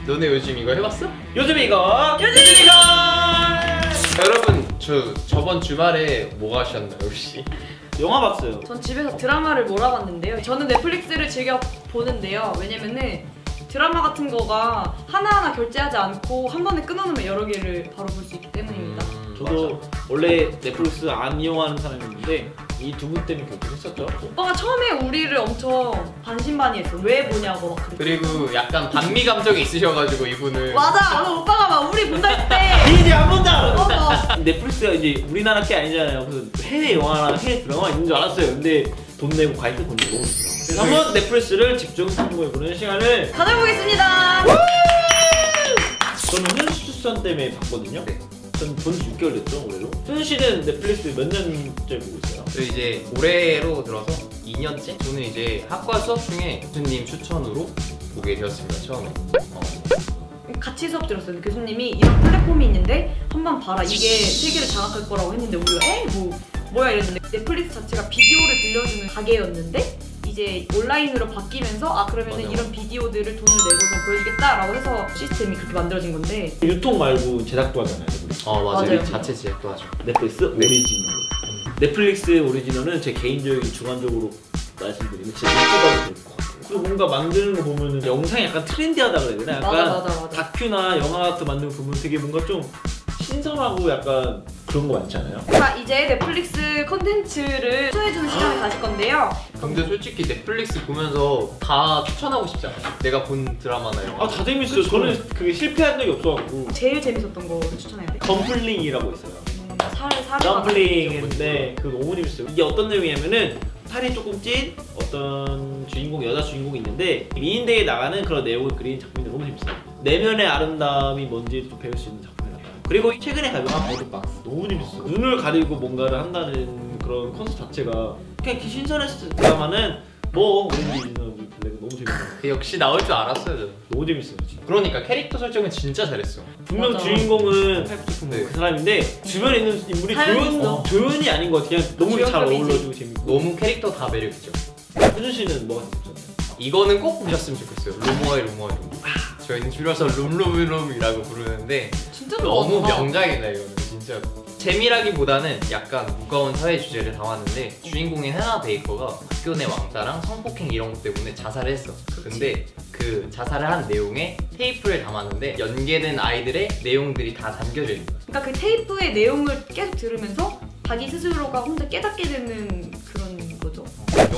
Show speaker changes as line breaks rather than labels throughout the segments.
너네 요즘 이거 해봤어?
요즘 이거
여러분 저번 주말에 뭐 하셨나요 혹시?
영화 봤어요.
전 집에서 드라마를 몰아봤는데요. 저는 넷플릭스를 즐겨 보는데요. 왜냐면은 드라마 같은 거가 하나하나 결제하지 않고 한 번에 끊어놓으면 여러 개를 바로 볼 수 있기 때문입니다.
저도
맞아.
원래 넷플릭스 안 이용하는 사람이었는데 이 두 분 때문에 결정했었죠.
오빠가 처음에 우리를 엄청 반신반의했어. 왜 보냐고 막 그랬고.
그리고 약간 반미 감정이 있으셔가지고 이분은
맞아. 오빠가 막 우리 본다 했을 때
이제 안 본다!
맞아.
넷플릭스가 이제 우리나라 게 아니잖아요. 그래서 해외 영화나 해외 드라마 있는 줄 알았어요. 근데 돈 내고 가입해 본 적이 너무 있어요. 그래서 한번 넷플릭스를 집중 탐구해보는 시간을
가져보겠습니다.
저는 훈수 추천 때문에 봤거든요.
네.
전 본지 6개월 됐죠, 올해로. 훈 씨는 넷플릭스 몇 년째 보고 있어요?
저 이제 올해로 들어서 2년째? 저는 이제 학과 수업 중에 교수님 추천으로 보게 되었습니다, 처음에.
같이 수업 들었어요. 교수님이 이런 플랫폼이 있는데 한번 봐라. 이게 세계를 장악할 거라고 했는데 우리가 뭐야 이랬는데 넷플릭스 자체가 비디오를 빌려주는 가게였는데 이제 온라인으로 바뀌면서 그러면은
맞아.
이런 비디오들을 돈을 내고서 보여주겠다라고 해서 시스템이 그렇게 만들어진 건데
유통 말고 제작도 하잖아요, 넷플릭스.
맞아요.
맞아요.
자체 제작도 하죠.
넷플릭스
네.
오리지널. 넷플릭스 오리지널은 제 개인적인 주관적으로 말씀드리면 진짜 예쁘다고 될 것 같아요. 그리고 뭔가 만드는 거 보면은 영상이 약간 트렌디하다 그래야 되나? 약간
맞아.
다큐나 영화 같은 만드는 거 보면 되게 뭔가 좀 신선하고 약간 그런 거 많지 않아요?
자 이제 넷플릭스 컨텐츠를 추천해주는 시간을 가질 건데요.
근데 솔직히 넷플릭스 보면서 다 추천하고 싶지 않아요? 내가 본 드라마나 영화.
다 재밌어요.
그쵸?
저는 그게 실패한 적이 없어갖고.
제일 재밌었던 거 추천해야 돼.
덤플링이라고 있어요.
살을
덤플링인데 그거 너무 재밌어요. 이게 어떤 내용이냐면은 살이 조금 찐 어떤 주인공, 여자 주인공이 있는데 미인대에 나가는 그런 내용을 그린 작품인데 너무 재밌어요. 내면의 아름다움이 뭔지 좀 배울 수 있는 작품이랄까요. 그리고 최근에 발표한 버드박스 너무 재밌어요. 눈을 가리고 뭔가를 한다는 그런 컨셉 자체가 그냥 이렇게 신선했을 드라마는 뭐 오렌지 이너지 블랙은 너무 재밌어요.
그 역시 나올 줄 알았어요, 저는.
너무 재밌어요 진짜.
그러니까 캐릭터 설정은 진짜 잘했어.
분명
맞아.
주인공은
네.
그 사람인데 주변에 있는 인물이
사연이
조연이 아닌 것 같아요. 그냥 너무 잘
주연급이지.
어울려주고 재밌고.
너무 캐릭터 다 매력있죠.
효준 씨는 뭐가 재밌었나요?
이거는 꼭 보셨으면 좋겠어요. 로모아이. 저희는 줄여서 롬이라고 부르는데
진짜
너무
좋았어.
명작이다 이거는 진짜. 재미라기보다는 약간 무거운 사회 주제를 담았는데 주인공인 헤나 베이커가 학교 내 왕따랑 성폭행 이런 것 때문에 자살을 했어. 근데 그 자살을 한 내용에 테이프를 담았는데 연계된 아이들의 내용들이 다 담겨져 있는 거야.
그러니까 그 테이프의 내용을 계속 들으면서 자기 스스로가 혼자 깨닫게 되는 그런 거죠.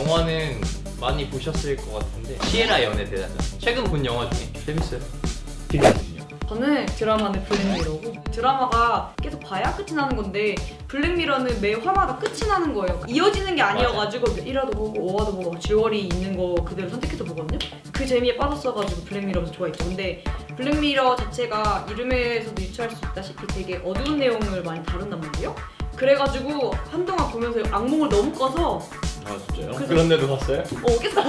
영화는 많이 보셨을 것 같은데 시에라 연애 대단장 최근 본 영화 중에 재밌어요.
재밌거든요.
저는 드라마는 블랙미러고 드라마가 계속 봐야 끝이 나는 건데 블랙미러는 매 화마다 끝이 나는 거예요. 이어지는 게 아니어가지고 1화도 보고 5화도 보고 줄거리 있는 거 그대로 선택해서 보거든요. 그 재미에 빠졌어가지고 블랙미러를 좋아했죠. 근데 블랙미러 자체가 이름에서도 유추할 수 있다시피 되게 어두운 내용을 많이 다룬단 말이에요. 그래가지고 한동안 보면서 악몽을 너무 꿔서
진짜요?
그런데도 봤어요?
계속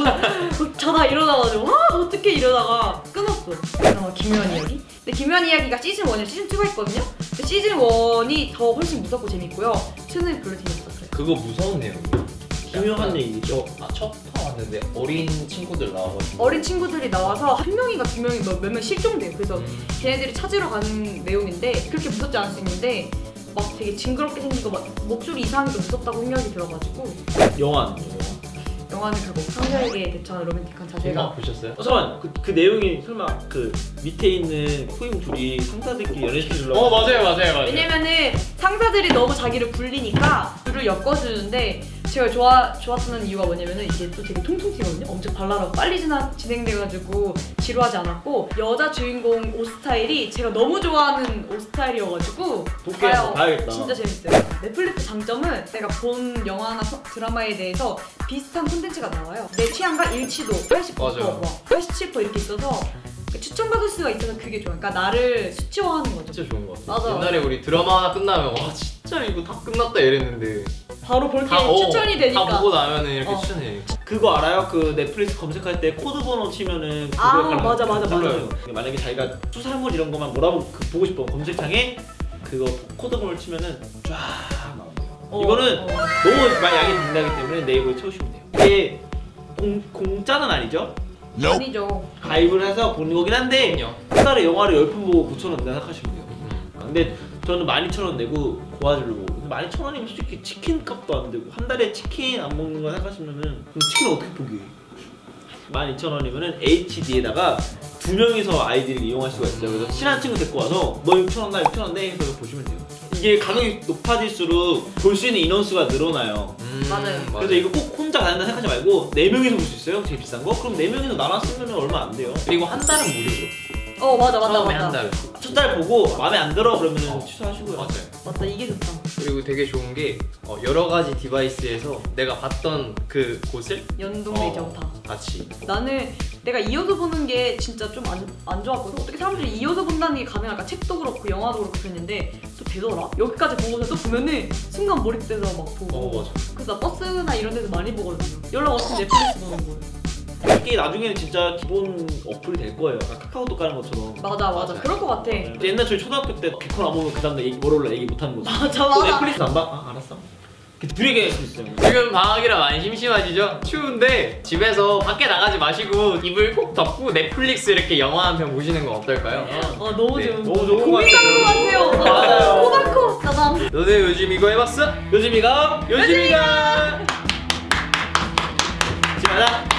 자다 일어나가지고 어떻게 이러다가 끊었어. 드라마 김요한 이야기? 근데 김요한 이야기가 시즌 1이랑 시즌 2가 있거든요? 근데 시즌 1이 더 훨씬 무섭고 재밌고요. 2는 별로 재밌었어요.
그거 무서운 내용이에요.
기묘한 얘기죠.
첫 화 왔는데 어린 친구들 나와가지고
어린 친구들이 나와서 한 명인가 두 명이 몇 명 실종돼요. 그래서 걔네들이 찾으러 가는 내용인데 그렇게 무섭지 않을 수 있는데 막 되게 징그럽게 생기고 막 목소리 이상하게 무섭다고 생각이 들어가지고 영화는 그거 상자에게 대처하는 로맨틱한 자세가
제가 보셨어요?
잠깐만 그 내용이 설마 그 밑에 있는 코임 둘이 상사들끼리 연애시키려고
맞아요.
왜냐면은 상사들이 너무 자기를 굴리니까 둘을 엮어주는데 제가 좋았던 이유가 뭐냐면은 이게 또 되게 통통 튀거든요. 엄청 발랄하고 빨리 진행돼가지고 지루하지 않았고 여자 주인공 옷 스타일이 제가 너무 좋아하는 옷 스타일이어가지고
봐야겠다.
진짜 재밌어요. 넷플릭스 장점은 내가 본 영화나 드라마에 대해서 비슷한 콘텐츠가 나와요. 내 취향과 일치도 80%,
맞아요.
87% 이렇게 있어서 추천받을 수가 있어서 그게 좋아요. 그러니까 나를 수치화하는 거죠.
진짜 좋은 것 같아요.
맞아.
옛날에 우리 드라마 하나 끝나면 와 진짜 이거 다 끝났다 이랬는데
바로 볼게
다,
추천이 되니까.
다 보고 나면은 이렇게 추천해.
그거 알아요? 그 넷플릭스 검색할 때 코드 번호 치면은
맞아.
몰라요.
만약에 자기가 수사물 이런 거만 보고 싶어 검색창에 그거 코드 번호를 치면은 쫙 나와요. 이거는 너무 양이 된다기 때문에 네이버에 채우시면 돼요. 이게 공짜는 아니죠?
아니죠.
가입을 해서 보는 거긴 한데
그럼요.
한 달에 영화를 10편 보고 9,000원 낸다 생각하시면 돼요. 근데 저는 12,000원 내고 고화질로 보고, 근데 12,000원이면 솔직히 치킨 값도 안 되고 한 달에 치킨 안 먹는 거 생각하시면은 그럼 치킨을 어떻게 포기해? 12,000원이면은 HD에다가 2명이서 아이들을 이용할 수가 있어요. 그래서 친한 친구 데리고 와서 너 6,000원 나 6,000원 내 해서 보시면 돼요. 이게 가격이 높아질수록 볼 수 있는 인원수가 늘어나요.
맞아요.
그래서 이거 꼭 혼자 가는다 생각하지 말고 4명이서 볼 수 있어요. 제일 비싼 거? 그럼 4명이서 나눠 쓰면 얼마 안 돼요.
그리고 한 달은 무료죠.
맞아
처음에 한
맞아.
달은.
첫 달 보고 마음에 안 들어 그러면 취소하시고요.
맞아요.
맞다, 이게 좋다.
그리고 되게 좋은 게 여러 가지 디바이스에서 내가 봤던 그 곳을
연동되죠 다.
같이.
나는 내가 이어서 보는 게 진짜 좀 안 좋았거든. 어떻게 사람들이 이어서 본다는 게 가능할까? 책도 그렇고 영화도 그렇고 그랬는데 또 되더라. 여기까지 보고서 또 보면은 순간 몰입돼서 막 보고.
맞아.
그래서 나 버스나 이런 데서 많이 보거든요. 연락 없으면 넷플릭스 보는 거예요.
이게 나중에는 진짜 기본 어플이 될 거예요. 아까 카카오톡 까는 것처럼.
맞아.
맞아요.
그럴 것 같아.
옛날 저희 초등학교 때 개콘 안 보면 그 다음날 월요일날 얘기 못 하는 거죠.
맞아
또
맞아.
넷플릭스 안 봐? 아 알았어. 둘이 할수 있어요.
지금 방학이라 많이 심심하시죠? 추운데 집에서 밖에 나가지 마시고 이불 꼭 덮고 넷플릭스 이렇게 영화 한 편 보시는 건 어떨까요?
너무
네,
좋은.
너무 좋은 거
고민하는 것 같아요.
맞아요.
코바코 나담.
너네 요즘 이거 해봤어?
요즘이가
요즘이가
집에 가자.